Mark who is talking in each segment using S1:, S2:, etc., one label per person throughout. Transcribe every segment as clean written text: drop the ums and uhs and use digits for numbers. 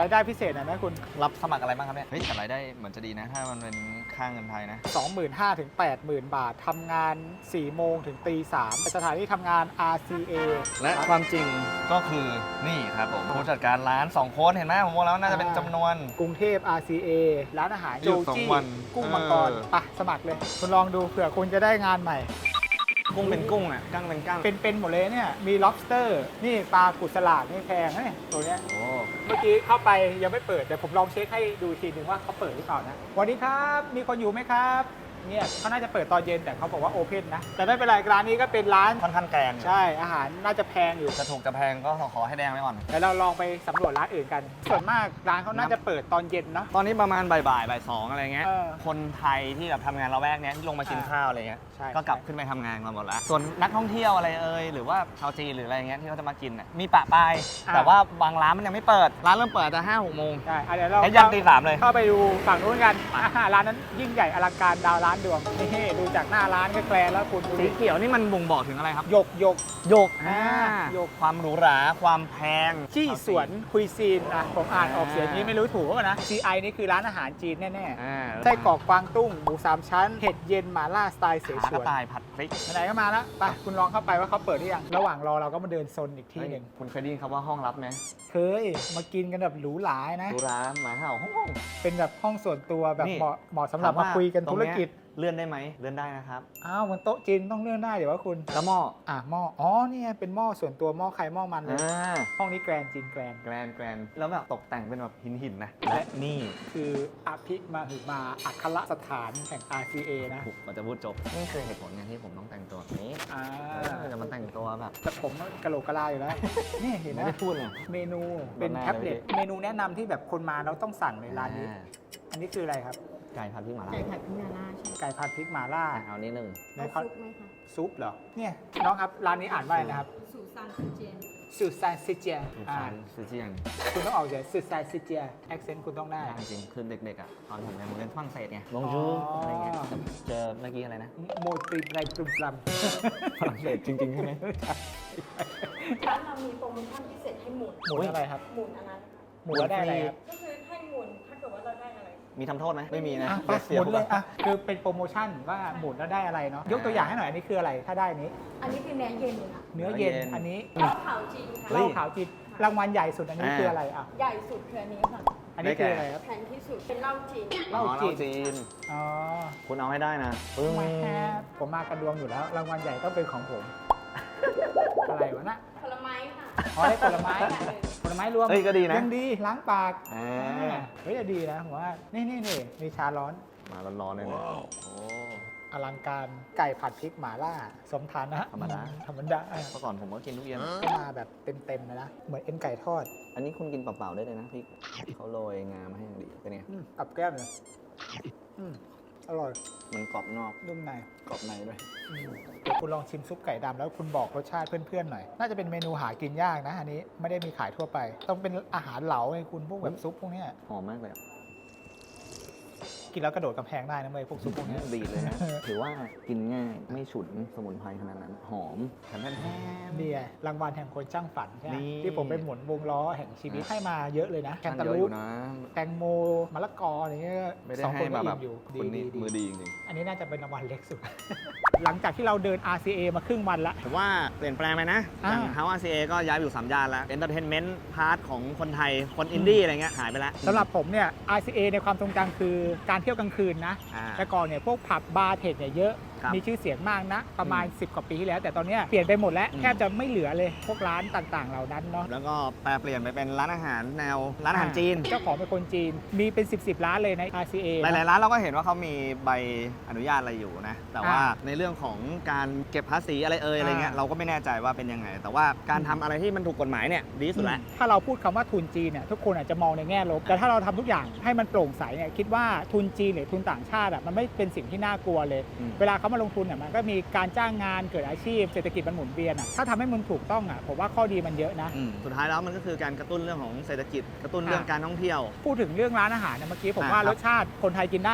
S1: ายได้พิเศษหน่อยไหมคุณ
S2: รับสมัครอะไรบ้างครับเนี่ยเฮ้ยแต่รายได้เหมือนจะดีนะถ้ามันเป็นค่าเงินไทยนะ
S1: 25,000 ถึง 80,000 บาททำงาน 4 โมงถึงตี 3สถานที่ทำงาน RCA
S2: และความจริงก็คือนี่ครับผมผู้จัดการร้าน2คนเห็นไหมผมบอกแล้วน่าจะเป็นจำนวน
S1: กรุงเทพ RCA ร้านอาหาร
S2: หยุ
S1: โจ
S2: ดสอง
S1: จี้
S2: วัน
S1: กุ้งมังกรไปสมัครเลย คุณลองดูเผื่อคุณจะได้งานใหม่
S2: กุ้งเป็นกุ้งอ่ะกั้งเป็นกั้ง
S1: เป็นหมดเลยเนี่ยมี lobster นี่ปลากุสลาดนี่แพงนะเนี่ยตัวเนี้ย
S2: โอ้
S1: เมื่อกี้เข้าไปยังไม่เปิดแต่ผมลองเช็คให้ดูทีนึงว่าเขาเปิดหรือเปล่านะสวัสดีครับมีคนอยู่ไหมครับเนี่ยเขาน่าจะเปิดตอนเย็นแต่เขาบอกว่าโอเพนนะแต่ไม่เป็นไรร้านนี้ก็เป็นร้าน
S2: ค่อนข้างแกง
S1: ใช่อาหารน่าจะแพงอยู่
S2: จะถูกจะแพงก็ขอให้แดงไว้ก่อน
S1: แต่เราลองไปสำรวจร้านอื่นกัน ส่วนมากร้านเขาน่าจะเปิดตอนเย็นเนาะ
S2: ตอนนี้ประมาณบ่ายสองอะไรเงี้ย
S1: เออ
S2: คนไทยที่แบบทำงานละแวกเนี้ยที่ลงมากินข้าวอะไรเงี้ย
S1: ใช่
S2: ก็กลับขึ้นไปทำงานกันหมดแล้ว ส่วนนักท่องเที่ยวอะไรหรือว่าชาวจีนหรืออะไรเงี้ยที่เขาจะมากินน่ะมีปะปาย แต่ว่าบางร้านมันยังไม่เปิด ร้านเริ่มเปิดแต่5-6 โมง
S1: ใช่เดี๋ยวเรา
S2: แล้วยันตี 3เลย
S1: เข้าไปดูฝั่งนู้นกันร้านนั้นยิ่งใหญ่อลังการดาวร้านดวงนี่ดูจากหน้าร้านก็แกลนแล้วคุณดู
S2: สี
S1: ดิ
S2: เขียวนี่มันบ่งบอกถึงอะไรครับ
S1: หยก
S2: หยก
S1: หยก
S2: ความหรูหราความแพง
S1: ที่สวนคุยซีนอ่ะผมอ่านออกเสียงนี้ไม่รู้ถูกป่ะนะ CI นี่คือร้านอาหารจีนแน่ๆไส้กรอกกวางตุ้งหมู3 ชั้นเห็ดเย็นหม่าล่าสไตล์เส
S2: ขาก
S1: ฉ
S2: ระ
S1: วน
S2: ต่ายผัดพริก
S1: ไหนๆก็มาแล้วไปคุณลองเข้าไปว่าเขาเปิดหรือยังระหว่างรอเราก็มาเดินโซนอีกที่หนึ่ง
S2: คุณเคยได้ยินคำว่าห้องลับไหม
S1: เคยมากินกันแบบหรูหรานะ
S2: หรูหราหมาเห่าห้อง
S1: เป็นแบบห้องส่วนตัวแบบ
S2: นี่
S1: เหมาะสำหรับมาคุยกันธุรกิจ
S2: เลื่อนได้ไหมเลื่อนได้นะครับ
S1: อ้าวมันโต๊ะจีนต้องเลื่อนได้เดี๋ยวว่าคุณ
S2: แล้วหม้อ
S1: หม้ออ๋อนี่ไงเป็นหม้อส่วนตัวหม้อใครหม้อมันเลย
S2: อ่า
S1: ห้องนี้แกรนด์จีนแกรนด์
S2: แกรนแล้วแบบตกแต่งเป็นแบบหินนะและนี่
S1: คืออภิมาหึมาอัครสถานแห่ง RCA นะ
S2: ถูกมันจะพูดจบนี่คือเหตุผลไงที่ผมต้องแต่งตัวแบบนี้
S1: อ่า
S2: จะมาแต่งตัวแบบ
S1: แต่ผมกะโหลกกะลาอยู่แล้ว นี่เห็นไหม
S2: ไม่ได้พูดเลย
S1: เมนูเป็น
S2: แน่เลย
S1: แท็บเล็ตเมนูแนะนำที่แบบคนมาแล้วต้องสั่งในร้านนี้ อันนี้คืออะไรครับ
S2: ไก่ผัดพริกหม่าล่า
S3: ไก่ผัดพริกนาล่าใช่ไหม
S1: ไก่ผัดพริกหม่าล่า
S2: เอานิดนึง
S1: ใน
S3: เอา
S1: เขา
S3: ซุปไหมคะ
S1: ซุปเหรอเนี่ยน้องครับร้านนี้อ่านว่าอะไรนะครับ
S3: สูซานซิเจียน
S1: สุดซานซิเจีย
S2: ลูกชายซื้อเจียง
S1: คุณต้องออกเสียงสุดซานซิเจียแอคเซนต์คุณต้องได้
S2: จริงๆคือเด็กๆอ่ะตอนผมเรียนผมเรียนฝรั่งเศสไงบ
S1: อ๋
S2: ง
S1: อ
S2: จูอะไรเงี้ยเจอเมื่อกี้อะไรนะ
S1: โมตรีไรปรุมปรัม
S2: ฝรั่งเศสจริงๆใช่ไหม
S3: ร้านเรามีโปรโมชั่นพิเศษให้หมุน
S1: หมุนอะไรครับ
S3: หมุนอันนั้นค่ะ
S1: หมุนแล้วได้อะไรครับ
S3: ก็คือให้หมุนถ้าเกิดว่าเราได้อะไร
S2: มีทำโทษไหมไม่มีนะ
S1: อ่ะไป
S2: เสี
S1: ห
S2: ย
S1: มุนเลยอ่ะคือเป็นโปรโมชั่นว่าหมุนแล้วได้อะไรเนาะยกตัวอย่างให้หน่อยอันนี้คืออะไรถ้าได้นี้
S3: อันนี้คือเนื้อเย็นค่ะ
S1: เนื้อเย็นอันนี้
S3: เหล้าขาวจีน
S2: เฮ้
S3: ค่ะ
S1: เหล้าขาวจีนรางวัลใหญ่สุดอันนี้คืออะไรอ่ะ
S3: ใหญ่สุดคืออันนี้ค่ะ
S1: อันนี้คืออะไรครับ
S3: แพงที่สุดเป็นเหล้าจีน
S1: เหล้า
S2: อ๋อ
S1: จีน
S2: น
S1: อ๋อ
S2: คุณเอาให้ได้นะปึ้ง
S1: แหมผมมากระดวงอยู่แล้ว รางวัลใหญ่ต้องเป็นของผม อะไรวะนะ
S3: ผลไม้ค่ะ
S1: อ๋อได้ผลไม้ผลไม้รวม
S2: เฮ้ยก็ดีนะ
S1: ยังดีล้างปาก
S2: อ่า
S1: เฮ้ยจะดีนะผมว่านี่มีชาร้อน
S2: มาร้อนๆเลยเนี่ยโอ้
S1: อลังการไก่ผัดพริกหม่าล่า สมฐานะ
S2: ธรรมดา
S1: ธรรมดา
S2: เมื่อก่อนผมก็กินทุกเย็น
S1: ก็มาแบบเต็มๆเลยนะ เหมือนเอ็นไก่ทอด
S2: อันนี้คุณกินเปล่าๆได้เลยนะพริกเขาโรยงามาให้อย่างดีเป็นไง
S1: กับแก้มเลยอร่อย
S2: มันกรอบนอก
S1: นุ่มใน
S2: กรอบในด้วย
S1: เดี๋ยวคุณลองชิมซุปไก่ดำแล้วคุณบอกรสชาติเพื่อนๆหน่อย น่าจะเป็นเมนูหากินยากนะ อันนี้ไม่ได้มีขายทั่วไป ต้องเป็นอาหารเหลาไงคุณพวกแบบซุปพวกเนี้ย
S2: หอมมากเลยอะ
S1: กินแล้วกระโดดกำแพงได้นะเว้ยพวกซุปพวกเนี้ย
S2: ดีเลยนะ ถือว่ากินง่ายไม่ฉุนสมุนไพรขนาดนั้น หอมแถมแท้ๆ
S1: นี่ไงรางวัลแห่งคนช่างฝันใช่ไหม
S2: นี่
S1: ที่ผมไปหมุนวงล้อแห่งชีวิตให้มาเยอะเลยนะแคนตา
S2: เยอะ
S1: ลู
S2: อ
S1: ป
S2: ยู่นะ
S1: แตงโมมะละกออะไรเงี้ย
S2: ไม่ได้
S1: สอง
S2: ให้
S1: คนก็
S2: มาแบ
S1: อิ่
S2: บ
S1: มอยู่
S2: คนนี้
S1: ดี
S2: มือดีจริง
S1: อันนี้น่าจะเป็นรางวัลเล็กสุด หลังจากที่เราเดิน RCA มาครึ่งวันละ
S2: ๆผมว่าเปลี่ยนแปลงไปนะ
S1: อ่า
S2: อย่าง House RCA ก็ย้ายไปอยู่3ย่านแล้ว Entertainment พาร์ทของคนไทย คนอินดี้อะไรเงี้ยหายไปแล้ว
S1: สำหรับผมเนี่ย RCA ในความทรงจำคือการเที่ยวกลางคืนนะ
S2: อ่า
S1: แต่ก่อนเนี่ยพวกผับบาร์เทคเนี่ยเยอะ
S2: ครับ
S1: มีชื่อเสียงมากนะ ประมาณ 10 กว่าปีที่แล้ว แต่ตอนเนี้ยเปลี่ยนไปหมดแล้ว
S2: อืม
S1: แทบจะไม่เหลือเลยพวกร้านต่างๆ เหล่านั้นเนาะ
S2: แล้วก็แปลเปลี่ยนไปเป็นร้านอาหารแนวร้านอาหารจีน
S1: เจ้าของเป็นคนจีน มีเป็น 10 ร้านเลยใน RCA
S2: หลายๆร้านเราก็เห็นว่าเขามีใบอนุญาตอะไรอยู่นะ แต่ว่า
S1: อ่า
S2: ในเรื่องของการเก็บภาษีอะไรอะไรเงี้ย
S1: อ่า
S2: เราก็ไม่แน่ใจว่าเป็นยังไง แต่ว่าการทำอะไรที่มันถูกกฎหมายเนี่ยดีที่สุดแล้ว
S1: ถ้าเราพูดคำว่าทุนจีนเนี่ยทุกคนอาจจะมองในแง่ลบ แต่ถ้าเราทำทุกอย่างให้มันโปร่งใสเนี่ยคิดว่าทุนจีนหรือทุนต่างชาติอะมันไม่เป็นสิ่งที่น่ากลัวเลย
S2: อืม
S1: เวลาเขามาลงทุนเนี่ยมันก็มีการจ้างงานเกิดอาชีพเศรษฐกิจมันหมุนเวียนอะถ้าทำให้มันถูกต้องอะผมว่าข้อดีมันเยอะนะ
S2: สุดท้ายแล้วมันก็คือการกระตุ้นเรื่องของเศรษฐกิจ กระตุ้นเรื่องการท่องเที่ยว
S1: พูดถึงเรื่องร้านอาหารเนี่ยเมื่อกี้ผมว่า
S2: ครับ
S1: รสชาติคนไทยกินได้นะ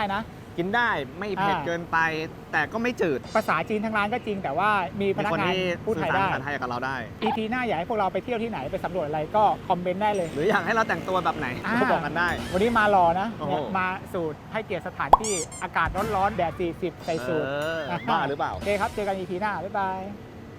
S2: กินได้ไม่เผ็ดเกินไป แต่ก็ไม่จืด
S1: ภาษาจีนทั้งร้านก็จริงแต่ว่ามีพ
S2: มี
S1: นัก
S2: คน
S1: งาน
S2: ที่
S1: พูด
S2: สื่
S1: ไท
S2: อย สาร
S1: ได้
S2: ภาษาไทยกับเราได้
S1: EP หน้าอยากให้พวกเราไปเที่ยวที่ไหนไปสำรวจอะไรก็คอมเมนต์ได้เลย
S2: หรืออยากให้เราแต่งตัวแบบไหนก็บอกกันได้
S1: วันนี้มารอนะ
S2: โอ้โห
S1: เนี่ยมาสูตรให้เกียรติสถานที่อากาศร้อนๆแดด40ใส่สูท
S2: บ้าหรือเปล่า
S1: โอเคครับเจอกัน EP หน้าบ๊ายบาย